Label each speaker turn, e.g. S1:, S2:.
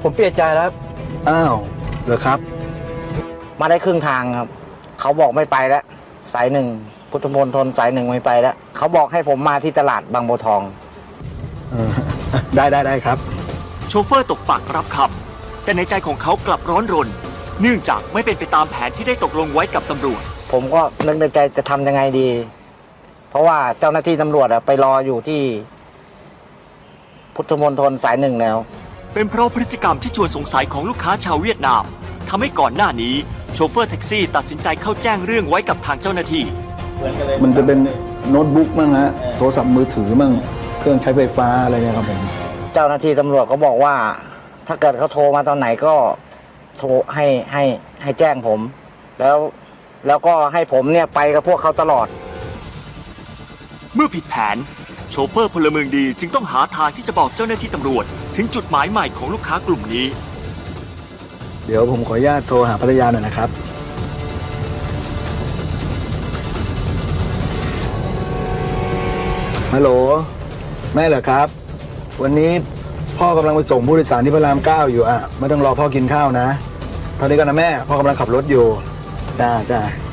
S1: ผมเปลี่ยนใจแล้ว
S2: อ้าวเหรอครับ
S3: มาได้ครึ่งทางครับเขาบอกไม่ไปแล้วสายหนึ่งพุทธมณฑลสายหนึ่งไม่ไปแล้วเขาบอกให้ผมมาที่ตลาดบางบัวทอง
S2: ได้ครับ
S4: โชเฟอร์ตกปากรับคำแต่ในใจของเขากลับร้อนรนเนื่องจากไม่เป็นไปตามแผนที่ได้ตกลงไว้กับตำรวจ
S3: ผมก็นึกในใจจะทำยังไงดี เพราะว่าเจ้าหน้าที่ตำรวจไปรออยู่ที่พุทธมณฑลสายหนึ่งแล้ว
S4: เป็นเพราะพฤติกรรมที่ชวนสงสัยของลูกค้าชาวเวียดนามทำให้ก่อนหน้านี้โชเฟอร์แท็กซี่ตัดสินใจเข้าแจ้งเรื่องไว้กับทางเจ้าหน้าที่
S2: มันจะเป็นโน้ตบุ๊กมั่งฮะโทรศัพท์มือถือมั่งเครื่องใช้ไฟฟ้าอะไรเนี่ยครับผม
S3: เจ้าหน้าที่ตำรวจก็บอกว่าถ้าเกิดเขาโทรมาตอนไหนก็โทรให้แจ้งผมแล้วก็ให้ผมเนี่ยไปกับพวกเขาตลอด
S4: เมื่อผิดแผนโชเฟอร์พลเมืองดีจึงต้องหาทางที่จะบอกเจ้าหน้าที่ตำรวจถึงจุดหมายใหม่ของลูกค้ากลุ่มนี้
S2: เดี๋ยวผมขออนุญาตโทรหาภรรยาหน่อยนะครับฮัลโหลแม่เหรอครับวันนี้พ่อกำลังไปส่งผู้โดยสารที่พระราม9อยู่ไม่ต้องรอพ่อกินข้าวนะเท่านี้กันนะแม่พ่อกำลังขับรถอยู่จ้า